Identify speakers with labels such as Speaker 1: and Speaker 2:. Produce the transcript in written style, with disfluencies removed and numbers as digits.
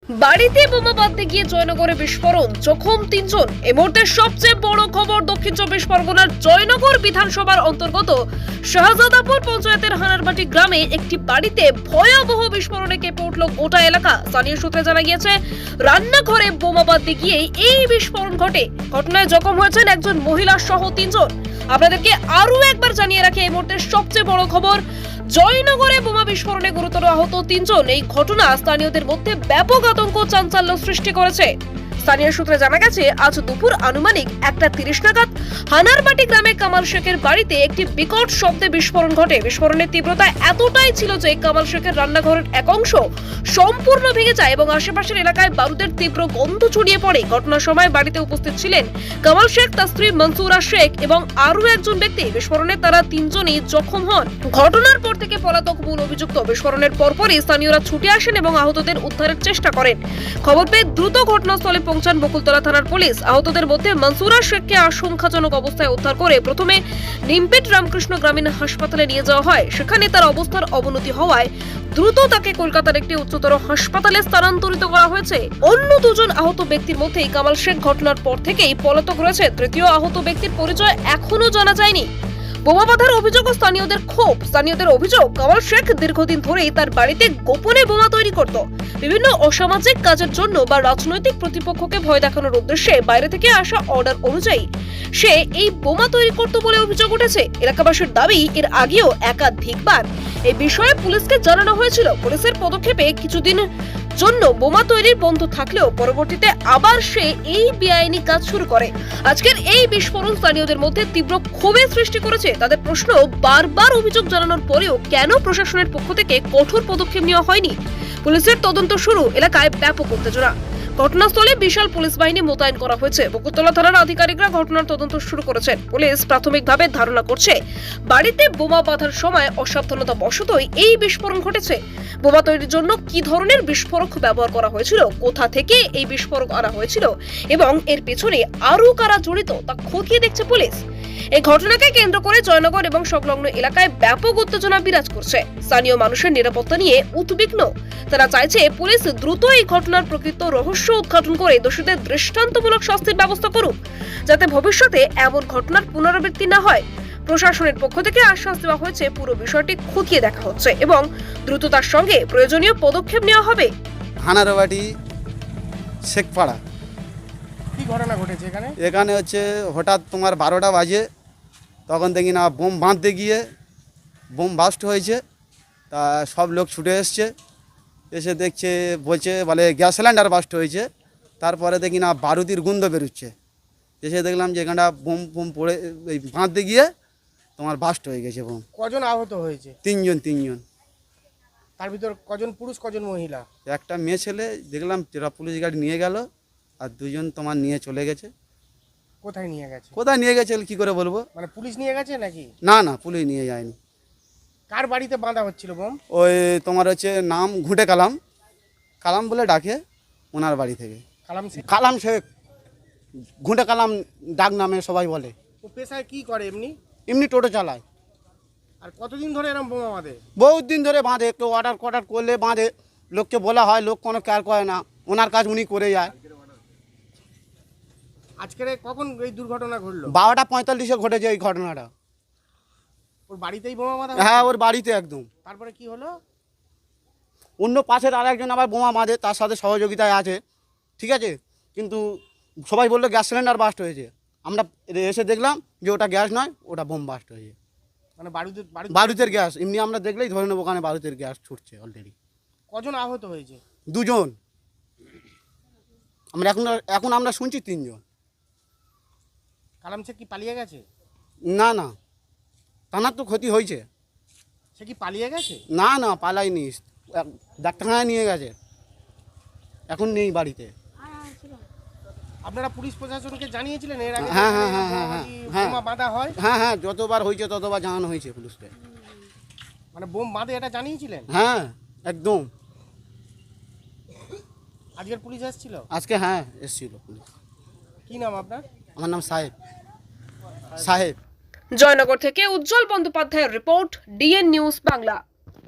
Speaker 1: বাড়িতে বোমা বাঁধতে গিয়ে জয়নগরে বিস্ফোরণ, জখম 3 জন। এই মুহূর্তে সবচেয়ে বড় খবর, দক্ষিণ 24 পরগনার জয়নগর বিধানসভার অন্তর্গত শাহজাদাপুর পঞ্চায়েতের হানারবাটি গ্রামে একটি বাড়িতে ভয়াবহ বিস্ফোরণে কেঁপে উঠল গোটা এলাকা। স্থানীয় সূত্রে জানা গিয়েছে, রান্নাঘরে বোমা বাঁধতে গিয়ে এই বিস্ফোরণ ঘটে। ঘটনায় জখম হয়েছেন একজন মহিলা সহ 3 জন। আপনাদেরকে আরো একবার জানিয়ে রাখি, এই মুহূর্তে সবচেয়ে বড় খবর, জয়নগরে বোমা বিস্ফোরণে গুরুতর আহত 3 জন। এই ঘটনা স্থানীয়দের মধ্যে ব্যাপক আতঙ্ক, চাঞ্চল্য সৃষ্টি করেছে। স্থানীয় সূত্রে জানা গেছে, আজ দুপুর আনুমানিক 1:30 নাগাদ হানারবাটি গ্রামে কামাল শেখের বাড়িতে একটি বিকট শব্দে বিস্ফোরণ ঘটে। বিস্ফোরণের তীব্রতা এতটাই ছিল যে কামাল শেখের রান্নাঘরের এক অংশ সম্পূর্ণ ভেঙে যায় এবং আশেপাশের এলাকায় বারুদের তীব্র গন্ধ ছড়িয়ে পড়ে। ঘটনার সময় বাড়িতে উপস্থিত ছিলেন কামাল শেখ, তার স্ত্রী মনসুরা শেখ এবং আরো একজন ব্যক্তি। বিস্ফোরণে তারা 3 জনই জখম হন। ঘটনার পর থেকে পলাতক মূল অভিযুক্ত। বিস্ফোরণের পরপরই স্থানীয়রা ছুটে আসেন এবং আহতদের উদ্ধারের চেষ্টা করেন। খবর পেয়ে দ্রুত ঘটনাস্থলে পৌঁছান বকুলতলা থানার পুলিশ। আহতদের মধ্যে মনসুরা শেখকে আশঙ্কাজনক অবস্থায় উদ্ধার করে প্রথমে নিমপেট রামকৃষ্ণ গ্রামীণ হাসপাতালে নিয়ে যাওয়া হয়। সেখানে তার অবস্থার অবনতি হওয়ায় দ্রুত তাকে কলকাতার একটি উচ্চতর হাসপাতালে স্থানান্তরিত করা হয়েছে। অন্য 2 জন আহত ব্যক্তির মধ্যেই কামাল শেখ ঘটনার পর থেকেই পলাতক রয়েছে। তৃতীয় আহত ব্যক্তির পরিচয় এখনো জানা যায়নি। বোমা বাঁধার অভিযোগ ও স্থানীয়দের ক্ষোভ। স্থানীয়দের অভিযোগ, কামাল শেখ দীর্ঘদিন ধরেই তার বাড়িতে গোপনে বোমা তৈরি করত। বিভিন্ন অসামাজিক কাজের জন্য বা রাজনৈতিক প্রতিপক্ষকে ভয় দেখানোর উদ্দেশ্যে বাইরে থেকে আসা অর্ডার অনুযায়ী সে এই বোমা তৈরি করত বলে অভিযোগ উঠেছে। এলাকাবাসীর দাবি, এর আগেও একাধিকবার এই বিষয়ে পুলিশকে জানানো হয়েছিল। পুলিশের পদক্ষেপে কিছুদিন জন্য বোমা তৈরির বন্ধ থাকলেও পরবর্তীতে আবার সে এই বেআইনি কাজ শুরু করে। আজকের এই বিস্ফোরণ স্থানীয়দের মধ্যে তীব্র ক্ষোভের সৃষ্টি করেছে। তাদের প্রশ্ন, বারবার অভিযোগ জানানোর পরেও কেন প্রশাসনের পক্ষ থেকে কঠোর পদক্ষেপ নেওয়া হয়নি। পুলিশের তদন্ত শুরু, এলাকায় ব্যাপক উত্তেজনা। ঘটনাস্থলে বিশাল পুলিশ বাহিনী মোতায়েন করা হয়েছে। বকুলতলা থানার আধিকারিকরা ঘটনার তদন্ত শুরু করেছেন। পুলিশ প্রাথমিকভাবে ধারণা করছে, বাড়িতে বোমা বাঁধার সময় অসাবধানতা বশতই এই বিস্ফোরণ ঘটেছে। বোমা তৈরির জন্য কি ধরনের বিস্ফোরক ব্যবহার করা হয়েছিল, কোথা থেকে এই বিস্ফোরক আনা হয়েছিল এবং এর পেছনে আরো কারা জড়িত তা খতিয়ে দেখছে পুলিশ। এই ঘটনাকে কেন্দ্র করে জয়নগর এবং সংলগ্ন এলাকায় ব্যাপক উত্তেজনা বিরাজ করছে। স্থানীয় মানুষের নিরাপত্তা নিয়ে উদ্বিগ্ন। তারা চাইছে পুলিশ দ্রুত এই ঘটনার প্রকৃত রহস্য উদ্ঘাটন করে দোষীদের দৃষ্টান্তমূলক শাস্তির ব্যবস্থা করুক, যাতে ভবিষ্যতে এমন ঘটনার পুনরাবৃত্তি না হয়। প্রশাসনের পক্ষ থেকে আশ্বাস দেওয়া হয়েছে, পুরো বিষয়টি খতিয়ে দেখা হচ্ছে এবং দ্রুততার সঙ্গে প্রয়োজনীয় পদক্ষেপ নেওয়া হবে।
Speaker 2: হানারবাটি শেখপাড়া।
Speaker 3: কি ঘটনা ঘটেছে এখানে?
Speaker 2: এখানে হচ্ছে হঠাৎ তোমার 12টা বাজে, তখন দেখি না বোম বাঁধতে গিয়ে বোম বাস্ট হয়েছে। তা সব লোক ছুটে এসছে, এসে দেখছে, বলছে বলে গ্যাস সিলিন্ডার বাস্ট হয়েছে। তারপরে দেখি না বারুদির গন্ধ বেরোচ্ছে। এসে দেখলাম যে এখানটা বোম বোম পড়ে এই বাঁধতে গিয়ে তোমার বাস্ট হয়ে গেছে বোম।
Speaker 3: কজন আহত হয়েছে?
Speaker 2: 3 জন।
Speaker 3: তার ভিতর কজন পুরুষ, কজন মহিলা?
Speaker 2: একটা মেয়ে ছেলে দেখলাম, যেটা পুলিশ গাড়ি নিয়ে গেল, আর 2 জন তোমার নিয়ে চলে গেছে।
Speaker 3: কোথায় নিয়ে গেছে?
Speaker 2: কোথায় নিয়ে গেছে কি করে বলবো?
Speaker 3: মানে পুলিশ নিয়ে গেছে নাকি?
Speaker 2: না, পুলিশ নিয়ে যায়নি।
Speaker 3: কার বাড়িতে বাঁধা হচ্ছিল বোম?
Speaker 2: ওই তোমার হচ্ছে নাম ঘুঁটে কালাম বলে ডাকে, ওনার বাড়ি থেকে।
Speaker 4: কালাম শেখ, ঘুঁটে কালাম ডাক নামে সবাই বলে।
Speaker 3: ও পেশায় কি করে এমনি?
Speaker 4: এমনি টোটো চালায়।
Speaker 3: আর কতদিন ধরে এরকম বোমা বাঁধে?
Speaker 4: বহুত দিন ধরে বাঁধে, একটু অর্ডার করলে বাঁধে। লোককে বলা হয়, লোক কোনো কেয়ার করে না, ওনার কাজ উনি করে যায়।
Speaker 3: আজকের কখন এই দুর্ঘটনা ঘটলো?
Speaker 4: 12:45-এ ঘটেছে এই ঘটনাটা।
Speaker 3: ওর বাড়িতেই বোমা বাঁধা?
Speaker 4: হ্যাঁ, ওর বাড়িতে একদম।
Speaker 3: তারপরে কি হলো?
Speaker 4: অন্য পাশের আরেকজন আবার বোমা বাঁধে, তার সাথে সহযোগিতায় আছে, ঠিক আছে। কিন্তু সবাই বললো গ্যাস সিলিন্ডার বাস্ট হয়েছে। আমরা এসে দেখলাম যে ওটা গ্যাস নয়, ওটা বোম বাস্ট হয়েছে।
Speaker 3: মানে
Speaker 4: বারুদের গ্যাস। এমনি আমরা দেখলেই ধরে নেবো ওখানে বারুদের গ্যাস ছুটছে অলরেডি।
Speaker 3: কজন আহত হয়েছে?
Speaker 4: 2 জন। আমরা এখন আমরা শুনছি 3 জন।
Speaker 3: কালাম শেখ কি পালিয়ে গেছে?
Speaker 4: না, তানার তো ক্ষতি হয়েছে।
Speaker 3: সে কি পালিয়ে গেছে?
Speaker 4: না, পালাইনি, ডাক্তারখানায় নিয়ে গেছে, এখন নেই বাড়িতে।
Speaker 3: আপনারা পুলিশ প্রশাসনকে জানিয়েছিলেন এর আগে?
Speaker 4: হ্যাঁ,
Speaker 3: বোমা বাঁধা হয়?
Speaker 4: হ্যাঁ, যতবার হয়েছে ততবার জানানো হয়েছে পুলিশকে।
Speaker 3: মানে বোম বাঁধে এটা জানিয়েছিলেন?
Speaker 4: হ্যাঁ, একদম।
Speaker 3: আজকের পুলিশ এসেছিল?
Speaker 4: আজকে হ্যাঁ এসেছিল পুলিশ।
Speaker 3: কি নাম আপনার?
Speaker 4: আমার নাম সাহেব।
Speaker 1: জয়নগর থেকে উজ্জ্বল বন্দ্যোপাধ্যায়ের রিপোর্ট, ডিএন নিউজ বাংলা।